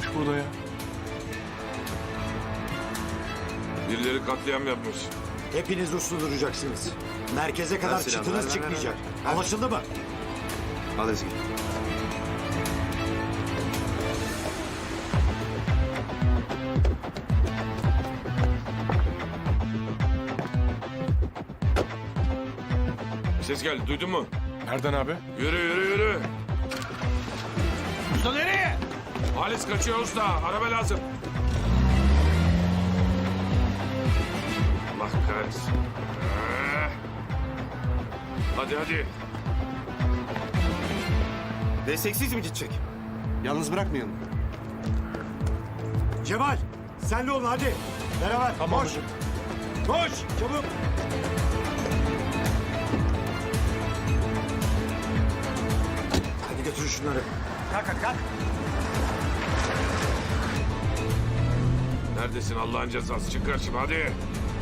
olmuş burada ya? Birileri katliam yapmış. Hepiniz uslu duracaksınız. Merkeze kadar silahı, çıtınız ver, çıkmayacak. ver. Anlaşıldı mı? Al Ezgi. Ses geldi, duydun mu? Nereden abi? Yürü yürü yürü. Usta nereye? Halis kaçıyor usta. Araba lazım. Allah kahretsin. Hadi hadi. Desteksiz mi gidecek? Yalnız bırakmayalım. Cemal, sen de olun hadi. Beraber. Tamam Koş. hocam. Koş. Çabuk. Hadi götür şunları. Kalk. Neredesin Allah'ın cezası? Çık karşıma hadi.